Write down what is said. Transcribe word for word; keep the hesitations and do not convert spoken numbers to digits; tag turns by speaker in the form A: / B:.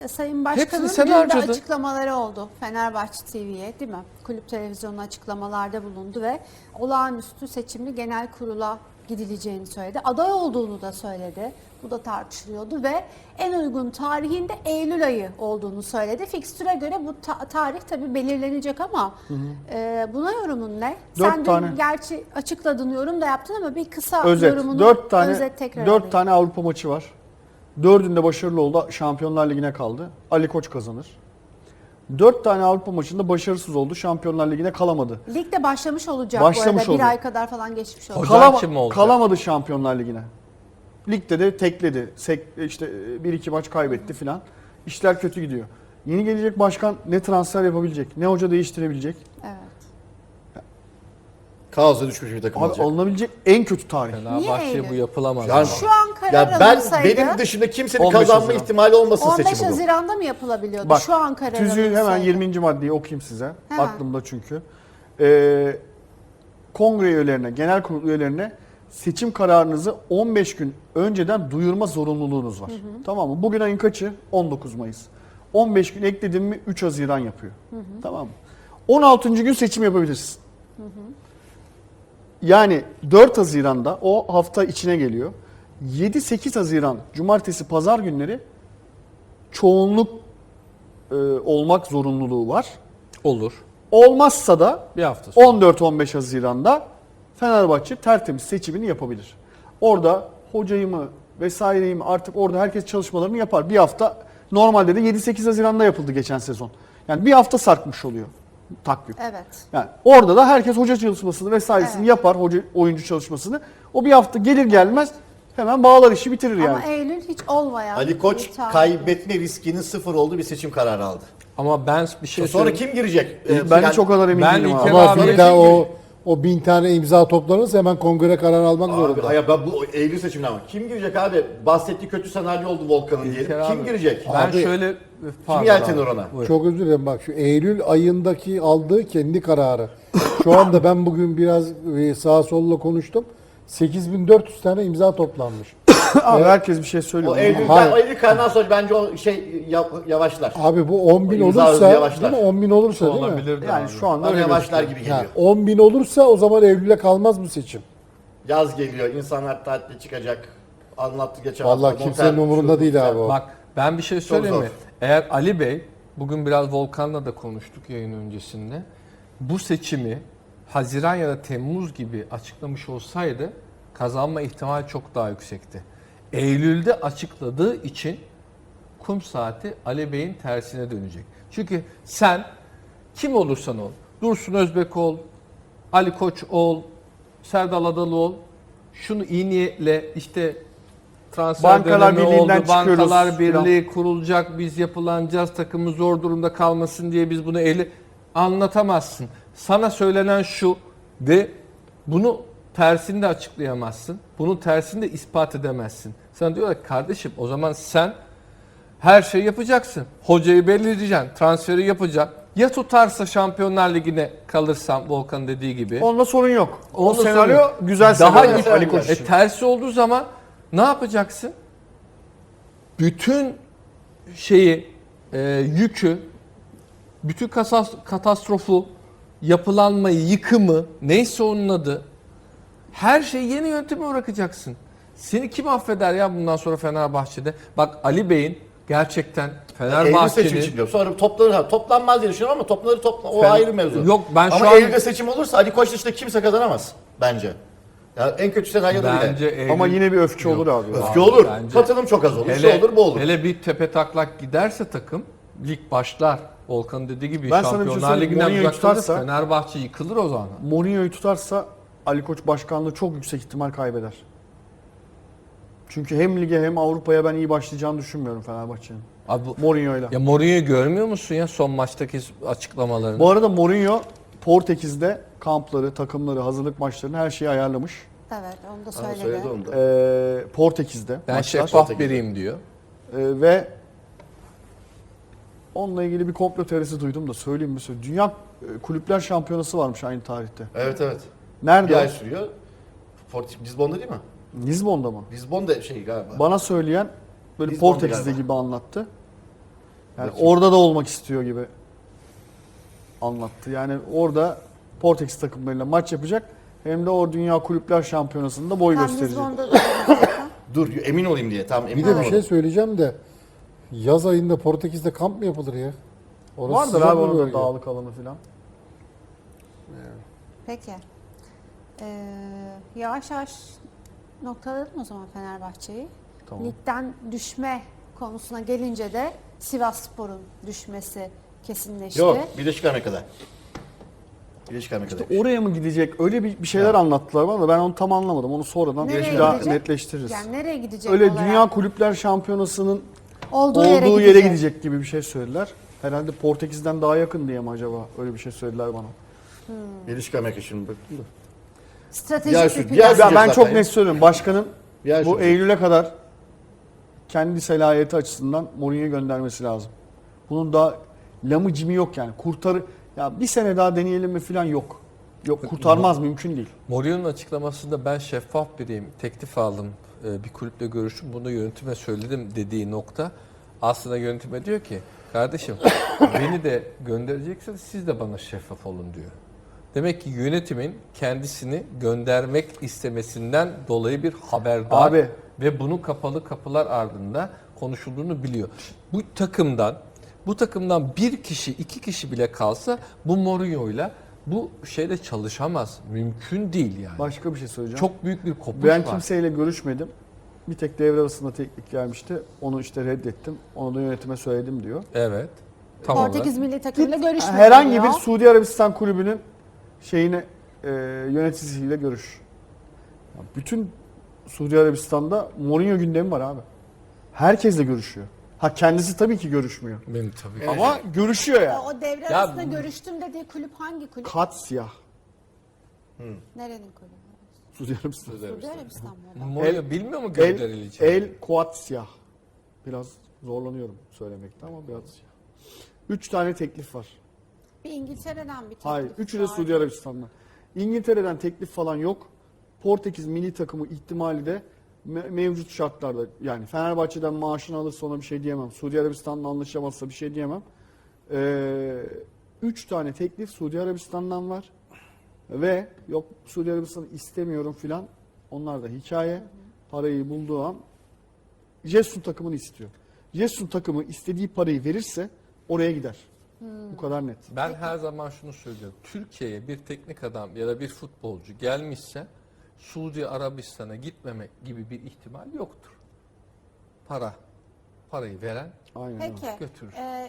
A: Sayın Başkan'ın
B: Hepsini sen
A: dün de
B: harcadın.
A: açıklamaları oldu Fenerbahçe T V'ye, değil mi? Kulüp televizyonuna açıklamalarda bulundu ve olağanüstü seçimli genel kurula gidileceğini söyledi. Aday olduğunu da söyledi. Bu da tartışılıyordu ve en uygun tarihinde Eylül ayı olduğunu söyledi. Fikstüre göre bu ta- tarih tabii belirlenecek ama hı hı. E, buna yorumun ne?
C: Dört
A: Sen dün
C: tane.
A: gerçi açıkladın, yorum da yaptın ama bir kısa
C: Özet.
A: yorumunu
C: Dört tane,
A: özet tekrar
C: dört
A: alayım.
C: tane Avrupa maçı var. Dördünde başarılı oldu. Şampiyonlar Ligi'ne kaldı. Ali Koç kazanır. Dört tane Avrupa maçında başarısız oldu. Şampiyonlar Ligi'ne kalamadı.
A: Ligde başlamış olacak
C: Başlamış
A: bu arada.
C: oldu.
A: Bir ay kadar falan geçmiş olacak.
B: Hocam kim olacak?
C: Kalamadı Şampiyonlar Ligi'ne. Ligde de tekledi. Sek, işte bir iki maç kaybetti filan. İşler kötü gidiyor. Yeni gelecek başkan ne transfer yapabilecek, ne hoca değiştirebilecek.
A: Evet.
D: Kaosa düşmüş bir takım
C: Abi
D: olacak.
C: alınabilecek en kötü tarih.
B: Fenerbahçe
A: Eylül?
B: bu yapılamaz.
D: Yani-
B: ama.
A: Şu an karar
D: Ya ben
A: alınsaydı
D: benim dışında kimsenin
C: on beş
D: kazanma
C: Haziran.
D: ihtimali olmasın
A: on beş
D: seçimi bu.
A: Haziran'da mı yapılabiliyordu?
C: Bak,
A: Şu an karar
C: tüzüğü hemen
A: alınsaydı.
C: yirminci maddeyi okuyayım size.
A: Hemen.
C: Aklımda çünkü. Ee, kongre üyelerine, genel kurul üyelerine seçim kararınızı on beş gün önceden duyurma zorunluluğunuz var. Hı hı. Tamam mı? Bugün ayın kaçı? on dokuz Mayıs. on beş gün ekledim mi üç Haziran yapıyor. Hı hı. Tamam mı? on altıncı gün seçim yapabilirsin. Hı hı. Yani dört Haziran'da o hafta içine geliyor. yedi sekiz Haziran cumartesi pazar günleri çoğunluk e, olmak zorunluluğu var.
B: Olur.
C: Olmazsa da
B: Bir hafta sonra.
C: on dört on beş Haziran'da Fenerbahçe tertemiz seçimini yapabilir. Orada hocayı mı vesaireyi mi artık orada herkes çalışmalarını yapar. Bir hafta normalde de yedi sekiz Haziran'da yapıldı geçen sezon. Yani bir hafta sarkmış oluyor takvim.
A: Evet.
C: Yani orada da herkes hoca çalışmasını vesairesini
A: Evet.
C: yapar, hoca oyuncu çalışmasını. O bir hafta gelir gelmez hemen bağlar işi bitirir yani.
A: Ama Eylül hiç olmayan
D: Ali Koç
A: bir tarih.
D: kaybetme riskinin sıfır olduğu bir seçim kararı aldı.
B: Ama ben bir şey
D: Sonra
B: söyleyeyim.
D: kim girecek?
C: Ee, ben
D: Yani-
C: çok kadar emin
B: ben
C: değilim
B: ilk
C: abi.
B: kere-
E: Ama
B: Abi,
E: bir daha o o bin tane imza toplanırsa hemen kongre karar almak
D: Abi,
E: zorunda.
D: hayır, ben bu Eylül seçimine ama kim girecek abi? Bahsettiği kötü senaryo oldu Volkan'ın diyelim.
B: İlker
D: Kim
B: abi,
D: girecek?
B: Ben
E: Abi,
B: şöyle
D: Kim yeltenir ona?
B: Buyur.
E: Çok özür dilerim, bak şu Eylül ayındaki aldığı kendi kararı. Şu anda ben bugün biraz e, sağa solla konuştum. sekiz bin dört yüz tane imza toplanmış.
C: Abi herkes bir şey söylüyor.
D: O Eylül'den,
E: Hayır.
D: o Eylül kararından sonra bence o şey ya- yavaşlar.
E: Abi bu on bin
D: O imza hızı
E: olursa,
D: yavaşlar.
E: değil mi? on bin olursa değil mi?
B: Olabilirdi
C: Yani
B: abi.
C: şu anda
D: Bana
C: öyle
D: yavaşlar
C: gözüküyor.
D: gibi
E: Ha,
D: geliyor.
E: on bin olursa o zaman Eylül'e kalmaz bu seçim.
D: Yaz geliyor, insanlar tatile çıkacak. Anlattı geçen
E: Vallahi
D: hafta.
E: kimsenin
D: Motel,
E: umurunda
D: şu,
E: değil
D: bu,
E: abi o.
B: Bak ben bir şey söyleyeyim
D: zor.
B: mi? Eğer Ali Bey, bugün biraz Volkan'la da konuştuk yayın öncesinde. Bu seçimi Haziran ya da Temmuz gibi açıklamış olsaydı kazanma ihtimali çok daha yüksekti. Eylül'de açıkladığı için kum saati Ali Bey'in tersine dönecek. Çünkü sen kim olursan ol, Dursun Özbek ol, Ali Koç ol, Serdal Adalı ol, şunu iyi niyetle işte transfer
C: Bankalar
B: dönemi
C: Birliği'nden
B: oldu, Bankalar
C: çıkıyoruz
B: Birliği kurulacak, biz yapılanacağız, takımımız zor durumda kalmasın diye biz bunu eli anlatamazsın. Sana söylenen şu de bunu tersini de açıklayamazsın. Bunu tersini de ispat edemezsin. Sana diyorlar ki kardeşim o zaman sen her şeyi yapacaksın. Hocayı belirleyeceksin, transferi yapacaksın. Ya tutarsa Şampiyonlar Ligi'ne kalırsam Volkan dediği gibi.
C: Onda sorun yok. O
B: Onda
C: senaryo
B: sorun yok.
C: güzel
B: Daha
C: senaryo
B: git-
C: Ali Koç
B: E,
C: için.
B: tersi olduğu zaman ne yapacaksın? Bütün şeyi, e, yükü, bütün kasas- katastrofu, yapılanmayı, yıkımı, neyse onun adı, her şeyi yeni yönteme bırakacaksın. Seni kim affeder ya bundan sonra Fenerbahçe'de? Bak Ali Bey'in gerçekten
D: Eylül seçimi
B: Fenerbahçe'nin...
D: çıkıyor. Sonra toplanır. ha, Toplanmaz diye düşünüyorum ama toplanır topla. O
B: Fen-
D: ayrı mevzu.
B: Yok, ben şu
D: ama
B: an-
D: Eylül'de seçim olursa Ali Koç dışında kimse kazanamaz bence. Ya en kötü senaryoda
B: Bence
D: bile.
B: Eylül-
C: Ama yine bir öfke
B: Yok.
C: olur abi.
D: Öfke olur.
B: bence-
D: Katılım çok az olur.
B: Hele,
D: Şu olur bu olur.
B: hele bir tepe taklak giderse takım lig başlar. Volkan dediği gibi
C: Ben sana bir şey
B: Şampiyonlar
C: söyleyeyim.
B: Ligi'nden
C: Mourinho'yu
B: uzaklaşır.
C: tutarsa-
B: Fenerbahçe yıkılır o zaman.
C: Mourinho'yu tutarsa Ali Koç başkanlığı çok yüksek ihtimal kaybeder. Çünkü hem lige hem Avrupa'ya ben iyi başlayacağını düşünmüyorum Fenerbahçe'nin.
B: Abi bu,
C: Mourinho'yla.
B: ya Mourinho'yu görmüyor musun ya son maçtaki açıklamalarını?
C: Bu arada Mourinho Portekiz'de kampları, takımları, hazırlık maçlarını her şeyi ayarlamış.
A: Evet, onu da
D: Ha,
A: söyledi.
D: söyledi onu da.
C: Ee, Portekiz'de
B: ben
C: maçlar.
B: şeffaf
D: Portekiz'de.
B: biriyim diyor.
C: Ee, ve onunla ilgili bir komplo teorisi duydum da söyleyeyim mi? Söyleyeyim. Dünya e, Kulüpler Şampiyonası varmış aynı tarihte.
D: Evet evet.
C: Nerede?
D: Bir
C: o?
D: ay sürüyor. Port- Lisbon'da değil mi?
C: Lizbon'da mı?
D: Lisbon'da şey galiba.
C: Bana söyleyen böyle
D: Lizbon'da
C: Portekiz'de
D: galiba.
C: gibi anlattı. Yani
B: Bakayım.
C: orada da olmak istiyor gibi anlattı. Yani orada Portekiz takımlarıyla maç yapacak. Hem de o Dünya Kulüpler Şampiyonası'nda boy
A: Tam
C: gösterecek.
A: Lizbon'da da zaten.
D: Dur emin olayım diye. Tamam emin
E: Bir de bir
D: olamadım.
E: şey söyleyeceğim de yaz ayında Portekiz'de kamp mı yapılır ya? Orası
C: Vardır
E: sıcak
C: abi
E: bir
C: onun da
E: bölge.
C: dağlık alanı falan.
A: Peki. Ee, yavaş yavaş noktalayalım o zaman Fenerbahçe'yi.
C: Tamam.
A: Ligden düşme konusuna gelince de Sivasspor'un düşmesi kesinleşti.
D: Yok bir de çıkarmaya kadar. Bir de çıkarmaya kadar.
C: Oraya mı gidecek? Öyle bir, bir şeyler anlattılar bana da ben onu tam anlamadım. Onu sonradan
A: Nereye
C: bir daha
A: gidecek?
C: netleştiririz.
A: Yani nereye gidecek
C: Öyle
A: olarak?
C: Dünya Kulüpler Şampiyonası'nın
A: olduğu,
C: olduğu
A: yere,
C: yere,
A: gidecek.
C: gidecek gibi bir şey söylediler. Herhalde Portekiz'den daha yakın diye mi acaba? Öyle bir şey söylediler bana.
D: Bir de çıkarmaya kadar şimdi baktım da.
A: Stratejik
D: Ya
A: bir
D: şu-
A: plan.
D: ya
C: Ya
D: Sürecek
C: ben çok
D: zaten.
C: net söylüyorum. Başkanın
D: Ya
C: bu
D: sürecek.
C: Eylül'e kadar kendi selahiyeti açısından Mourinho'yu göndermesi lazım. Bunun da lamı cimi yok yani. Kurtarı ya bir sene daha deneyelim mi falan yok. Yok kurtarmaz mümkün değil.
B: Mourinho'nun açıklamasında ben şeffaf biriyim, teklif aldım, e, bir kulüple görüştüm, bunu yönetime söyledim dediği nokta aslında yönetime diyor ki kardeşim beni de gönderecekseniz siz de bana şeffaf olun diyor. Demek ki yönetimin kendisini göndermek istemesinden dolayı bir haberdar
C: Abi.
B: ve bunun kapalı kapılar ardında konuşulduğunu biliyor. Bu takımdan bu takımdan bir kişi, iki kişi bile kalsa bu Mourinho'yla bu şeyle çalışamaz. Mümkün değil yani.
C: Başka bir şey söyleyeceğim.
B: Çok büyük bir kopuş
C: Ben
B: var.
C: kimseyle görüşmedim. Bir tek devre arasında teklif gelmişti. Onu işte reddettim. Onu da yönetime söyledim diyor.
B: Evet. Tam
A: Portekiz
B: olarak.
A: milli takımıyla görüşmüyor.
C: Herhangi
A: diyor.
C: bir Suudi Arabistan kulübünün şeyine e, yöneticisiyle görüş. Ya bütün Suudi Arabistan'da Mourinho gündemi var abi. Herkesle görüşüyor. Ha kendisi tabii ki görüşmüyor.
B: Benim tabii.
C: Ama görüşüyor yani.
A: O, o devre
B: Ya
A: arasında
B: bu-
A: görüştüm dediği kulüp hangi kulüp?
C: Katsiyah.
A: Nerenin kulübü?
C: Suudi Arabistan.
A: Suudi Arabistan mı? o da?
B: Mourinho bilmiyor mu
C: El,
B: gönderileceğini?
C: El Kuatsiyah. Biraz zorlanıyorum söylemekte ama biraz. Üç tane teklif var.
A: Bir İngiltere'den bir teklif
C: Hayır. Üçü de
A: var.
C: Suudi Arabistan'dan. İngiltere'den teklif falan yok. Portekiz milli takımı ihtimali de me- mevcut şartlarda yani Fenerbahçe'den maaşını alırsa ona bir şey diyemem. Suudi Arabistan'la anlaşamazsa bir şey diyemem. Ee, üç tane teklif Suudi Arabistan'dan var. Ve yok Suudi Arabistan'ı istemiyorum filan. Onlar da hikaye. Parayı bulduğu an Jesun takımını istiyor. Jesun takımı istediği parayı verirse oraya gider. Bu kadar net.
B: Ben her zaman şunu söylüyorum. Türkiye'ye bir teknik adam ya da bir futbolcu gelmişse Suudi Arabistan'a gitmemek gibi bir ihtimal yoktur. Para. Parayı veren
C: Aynen öyle.
A: Peki.
B: götürür.
A: e,